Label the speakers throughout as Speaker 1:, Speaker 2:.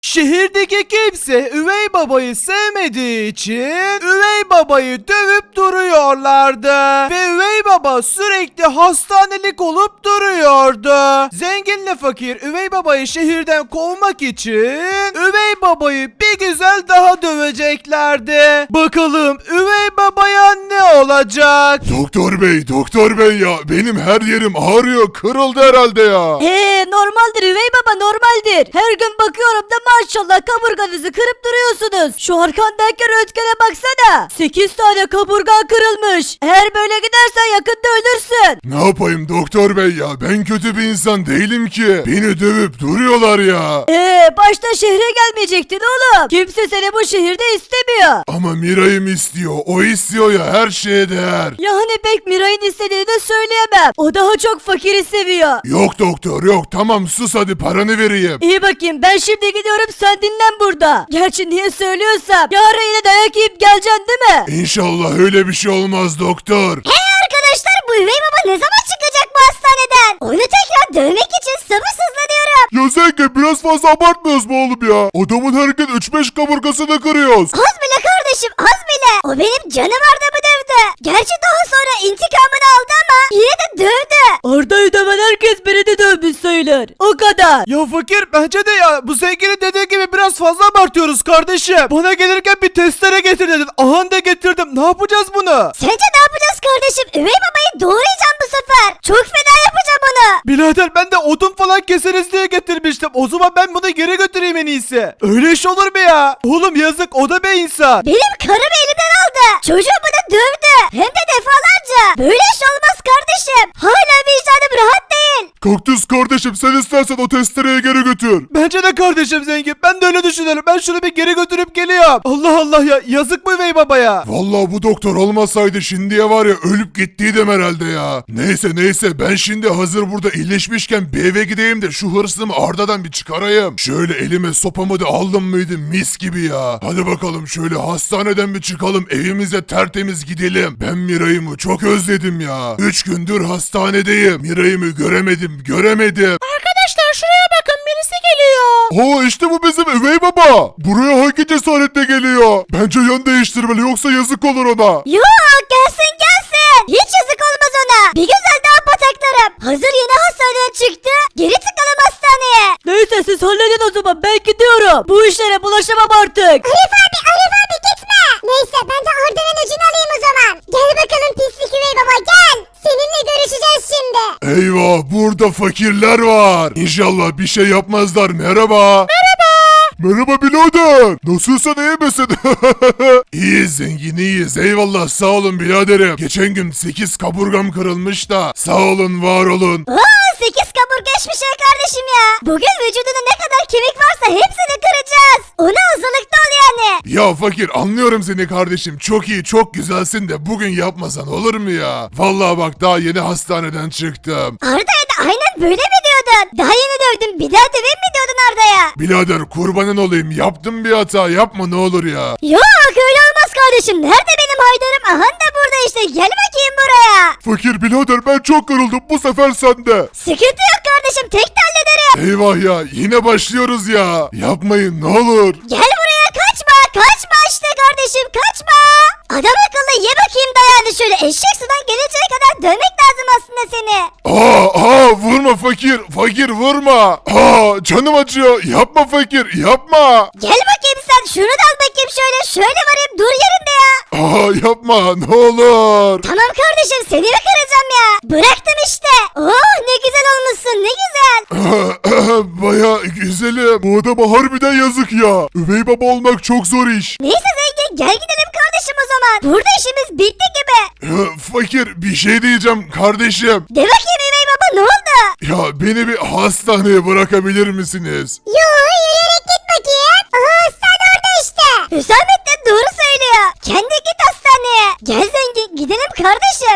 Speaker 1: Şehirdeki kimse üvey babayı sevmediği için üvey babayı dövüp duruyorlardı. Ve üvey baba sürekli hastanelik olup duruyordu. Zenginle fakir üvey babayı şehirden kovmak için üvey babayı bir güzel daha döveceklerdi. Bakalım üvey babaya ne olacak?
Speaker 2: Doktor bey ya benim her yerim ağrıyor, kırıldı herhalde ya.
Speaker 3: Normaldir üvey baba, normaldir. Her gün bakıyorum da maşallah kaburganızı kırıp duruyorsunuz. Şu arkandaki röntgene baksana. 8 tane kaburgan kırılmış. Eğer böyle gidersen yakında ölürsün.
Speaker 2: Ne yapayım doktor bey ya, ben kötü bir insan değilim ki. Beni dövüp duruyorlar ya.
Speaker 3: Başta şehre gelmeyecektin oğlum. Kimse seni bu şehirde istemiyor.
Speaker 2: Ama Miray'ım istiyor, o istiyor ya, her şeye değer.
Speaker 3: Yani pek Miray'ın istediğini de söyleyemem. O daha çok fakiri seviyor.
Speaker 2: Yok doktor yok, tamam sus hadi paranı vereyim.
Speaker 3: İyi bakayım, ben şimdi gidiyorum, sen dinlen burada. Gerçi niye söylüyorsam yarın yine dayak yiyip geleceksin değil mi?
Speaker 2: İnşallah öyle bir şey olmaz doktor.
Speaker 4: Arkadaşlar bu üvey baba ne zaman çıkacak bu hastaneden? Onu tekrar dövmek için sabırsızlanıyorum.
Speaker 2: Ya Zengin biraz fazla abartmıyoruz mu oğlum ya? Adamın her gün 3-5 kaburgasını kırıyoruz.
Speaker 4: Az bile kardeşim, az bile. O benim canım Arda'mı dövdü. Gerçi daha sonra intikamını aldı ama yine de dövdü.
Speaker 3: Arda'yı döven herkes beni de dövmüş sayılır. O kadar.
Speaker 1: Ya fakir bence de ya bu zenginin dediği gibi biraz fazla abartıyoruz kardeşim. Bana gelirken bir testere getir dedin. Aha da getirdim. Ne yapacağız bunu?
Speaker 4: Sence ne yapacağız kardeşim? Üvey babayı doğrayacağım bu sefer. Çok fena yapacağım onu.
Speaker 1: Birader ben de odun falan keseriz diye getirmiştim. O zaman ben bunu geri götüreyim en iyisi. Öyle iş olur mu ya? Oğlum yazık, o da bir insan.
Speaker 4: Benim karımı elimden aldı. Çocuğumu da dövdü. Hem de defalarca. Böyle iş olmaz kardeşim. Hala vicdanım rahat değil.
Speaker 2: Kaktüs kardeşim sen istersen o testereyi geri götür.
Speaker 1: Bence de kardeşim zengin. Ben de öyle düşünüyorum. Ben şunu bir geri götürüp geliyorum. Allah Allah ya. Yazık mı üvey babaya?
Speaker 2: Vallahi bu doktor olmasaydı şimdiye var ya ölüp gittiydim herhalde ya. Neyse ben şimdi hazır burada iyileşmişken bir eve gideyim de şu hırsımı Arda'dan bir çıkarayım. Şöyle elime sopamı da aldım mıydı mis gibi ya. Hadi bakalım şöyle hastaneden bir çıkalım, evimize tertemiz gidelim. Ben Miray'ımı çok özledim ya. 3 gündür hastanedeyim. Miray'ımı göremedim.
Speaker 4: Arkadaşlar şuraya bakın, birisi geliyor.
Speaker 2: Oo işte bu bizim üvey baba. Buraya hangi cesaretle geliyor? Bence yön değiştirmeli yoksa yazık olur ona.
Speaker 4: Yok, gelsin. Hiç yazık olmaz ona. Bir güzel daha pataklarım. Hazır yeni hastaneden çıktı. Geri tıkalım hastaneye.
Speaker 3: Neyse siz halledin o zaman, ben gidiyorum. Bu işlere bulaşamam artık.
Speaker 4: Arif abi gitme. Neyse ben de Arda'nın ucunu alayım o zaman. Gel bakalım pislik üvey baba gel. Seninle görüşeceğiz şimdi.
Speaker 2: Eyvah burada fakirler var. İnşallah bir şey yapmazlar. Merhaba birader. Nasılsın, iyi misin? İyiyiz zengin iyiyiz. Eyvallah sağ olun biraderim. Geçen gün 8 kaburgam kırılmış da. Sağ olun var olun.
Speaker 4: 8 kaburgaşmış ya kardeşim ya. Bugün vücudunda ne kadar kemik varsa hepsini kıracağız. Ona hazırlıklı ol yani.
Speaker 2: Ya fakir anlıyorum seni kardeşim. Çok iyi çok güzelsin de bugün yapmasan olur mu ya? Vallahi bak daha yeni hastaneden çıktım.
Speaker 4: Arda'ya da aynen böyle mi diyordun? Daha yeni dövdün, bir daha döveyim mi diyordun Arda'ya?
Speaker 2: Birader kurbanın olayım, yaptım bir hata, yapma ne olur ya.
Speaker 4: Yok öyle olmaz kardeşim. Nerede benim Haydar'ım? Aha da burada işte. Gel bakayım buraya.
Speaker 2: Fakir birader ben çok yoruldum, bu sefer sende.
Speaker 4: Sıkıntı yok kardeşim. Tek de hallederim.
Speaker 2: Eyvah ya yine başlıyoruz ya. Yapmayın ne olur.
Speaker 4: Gel buraya, kaçma. Kaçma işte kardeşim, kaçma. Adam akıllı ye bakayım dayağını şöyle. Eşek sudan gelinceye kadar dövmek lazım aslında seni.
Speaker 2: Vurma fakir vurma. Canım acıyor, yapma fakir yapma.
Speaker 4: Gel bakayım sen. Şunu da al bakayım şöyle. Şöyle varayım, dur yerinde ya.
Speaker 2: Yapma ne olur.
Speaker 4: Tamam kardeşim, seni mi kıracağım ya? Bıraktım işte. Oh ne güzel olmuşsun, ne güzel.
Speaker 2: Baya güzelim. Bu adama harbiden yazık ya. Üvey baba olmak çok zor iş.
Speaker 4: Neyse zengin, gel gidelim kardeşim o zaman. Burada işimiz bitti gibi.
Speaker 2: Fakir bir şey diyeceğim kardeşim.
Speaker 4: De bakayım üvey baba, ne oldu?
Speaker 2: Ya beni bir hastaneye bırakabilir misiniz?
Speaker 4: Yo, yürüyerek git bakayım. Aha, hastane orada işte. Hüsamettin doğru söylüyor. Kendi git hastaneye. Gel zengin, gidelim kardeşim.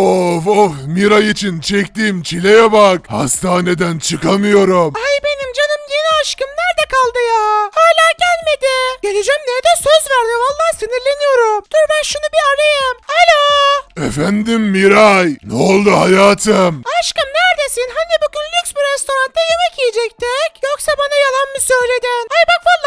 Speaker 2: Of Miray için çektiğim çileye bak. Hastaneden çıkamıyorum.
Speaker 3: Ay benim canım yeni aşkım nerede kaldı ya? Hala gelmedi. Geleceğim diye de söz verdi, vallahi sinirleniyorum. Dur ben şunu bir arayayım. Alo.
Speaker 2: Efendim Miray. Ne oldu hayatım?
Speaker 3: Aşkım neredesin? Hani bugün lüks bir restoranda yemek yiyecektik? Yoksa bana yalan mı söyledin? Ay bak vallahi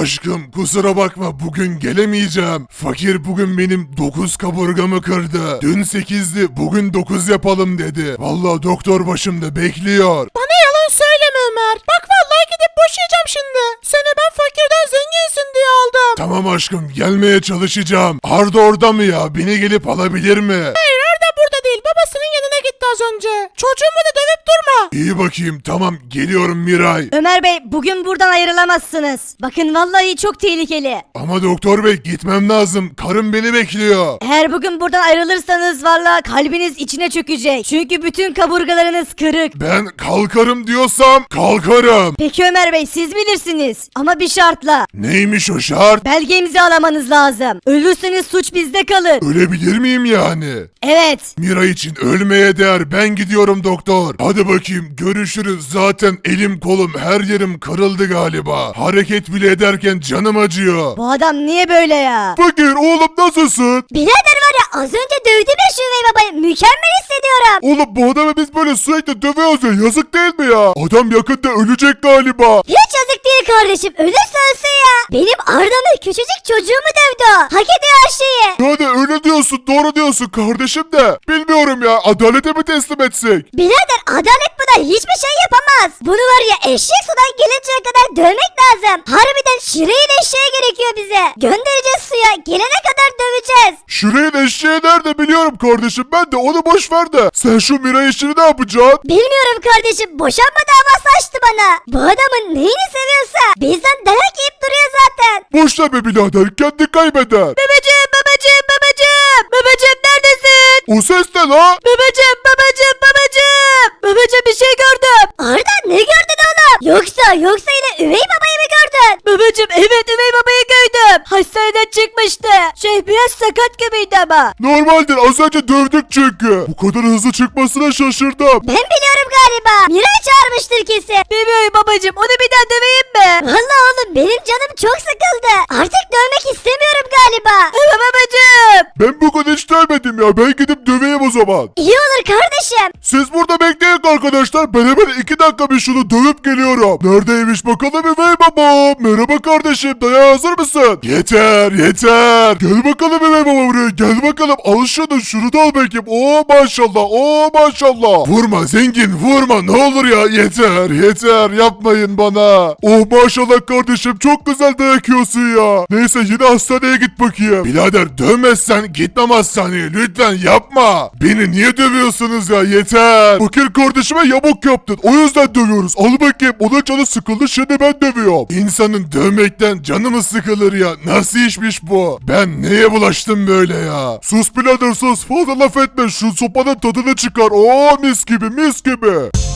Speaker 2: Aşkım kusura bakma bugün gelemeyeceğim. Fakir bugün benim 9 kaburgamı kırdı. Dün 8'di bugün 9 yapalım dedi. Vallahi doktor başımda bekliyor.
Speaker 1: Bana yalan söyleme Ömer. Bak vallahi gidip boşayacağım şimdi. Seni ben fakirden zenginsin diye aldım.
Speaker 2: Tamam aşkım gelmeye çalışacağım. Arda orada mı ya? Beni gelip alabilir mi?
Speaker 1: Hayır Arda burada değil. Babasının yanına gitti az önce. Çocuğumu da dövüp durma.
Speaker 2: İyi bakayım tamam geliyorum Miray.
Speaker 3: Ömer Bey bugün buradan ayrılamazsınız. Bakın vallahi çok tehlikeli.
Speaker 2: Ama doktor bey gitmem lazım. Karım beni bekliyor.
Speaker 3: Eğer bugün buradan ayrılırsanız vallahi kalbiniz içine çökecek. Çünkü bütün kaburgalarınız kırık.
Speaker 2: Ben kalkarım diyorsam kalkarım.
Speaker 3: Peki Ömer Bey siz bilirsiniz. Ama bir şartla.
Speaker 2: Neymiş o şart?
Speaker 3: Belge imzalamanız lazım. Ölürseniz suç bizde kalır.
Speaker 2: Ölebilir miyim yani?
Speaker 3: Evet.
Speaker 2: Miray için ölmeye değer. Ben gidiyorum doktor. Hadi bakayım görüşürüz. Zaten elim kolum her yerim kırıldı galiba. Hareket bile ederken canım acıyor.
Speaker 3: Bu adam niye böyle ya?
Speaker 2: Fakir oğlum nasılsın?
Speaker 4: Birader var ya az önce dövdüm ya şu üvey babayı. Mükemmel hissediyorum.
Speaker 2: Oğlum bu adamı biz böyle sürekli dövüyoruz ya. Yazık değil mi ya? Adam yakında ölecek galiba.
Speaker 4: Hiç yazık değil kardeşim. Ölürse ölsün ya. Benim Arda'nın küçücük çocuğumu dövdü o. Hak ediyor her şeyi.
Speaker 2: Yani öyle diyorsun doğru diyorsun kardeşim de. Bilmiyorum ya adalete mi teslim etsek?
Speaker 4: Birader adalet buna hiçbir şey yapamaz. Bunu var ya eşek sudan gelinceye kadar dövmek lazım. Harbiden şireyin eşeğe gerekiyor bize. Göndereceğiz suya. Gelene kadar döveceğiz.
Speaker 2: Şurayın eşeği nerede biliyorum kardeşim ben de onu boş ver de. Sen şu Miray işini ne yapacaksın?
Speaker 4: Bilmiyorum kardeşim. Boşanma davası açtı bana. Bu adamın neyini seviyorsa bizden dayak yiyip duruyor zaten.
Speaker 2: Boş ver be birader kendi kaybeder.
Speaker 3: Babacım babacım babacım. Babacım neredesin?
Speaker 2: O ses ne la?
Speaker 3: Babacım babacım babacım. Babacım bir şey gördüm.
Speaker 4: Arda ne gördün oğlum? Yoksa yine üvey babayı mı gördün?
Speaker 3: Babacım evet üvey babayı gördüm. Hastaneden çıkmıştı. Biraz sakat gibiydi ama.
Speaker 2: Normaldir az önce dövdük çünkü. Bu kadar hızlı çıkmasına şaşırdım.
Speaker 4: Ben biliyorum galiba. Miray çağırmıştır kesin.
Speaker 3: Bilmiyorum babacım onu bir daha döveyim mi?
Speaker 4: Vallahi oğlum benim canım çok sıkıldı. Artık dövmek istemiyorum galiba.
Speaker 3: Ama babacım.
Speaker 2: Ben bugün hiç dövmedim ya ben gidip döveyim o zaman.
Speaker 4: İyi olur kardeşim.
Speaker 2: Siz burada bekleyin arkadaşlar. Ben hemen 2 dakika bir şunu dövüp geliyorum. Neredeymiş bakalım üvey babam. Merhaba kardeşim. Dayağa hazır mısın? Yeter yeter. Gel bakalım üvey baba buraya. Gel bakalım. Al şunu da al bakayım. Oo maşallah. Oo maşallah. Vurma zengin vurma. Ne olur ya. Yeter. Yapmayın bana. Oh maşallah kardeşim. Çok güzel dayak yiyorsun ya. Neyse yine hastaneye git bakayım. Birader dövmezsen gitmem hastaneye. Lütfen yapma. Beni niye dövüyorsunuz ya? Yeter. Fakir kardeşime yamuk yaptın. O yüzden dövüyoruz. Al bakayım. Onun canı sıkıldı. Şimdi ben dövüyorum. İnsanın dövmekten canı mı sıkılır ya? Nasıl işmiş bu? Ben neye bulaştım böyle ya? Sus birader sus. Fazla laf etme. Şu sopanın tadını çıkar. Oo mis gibi.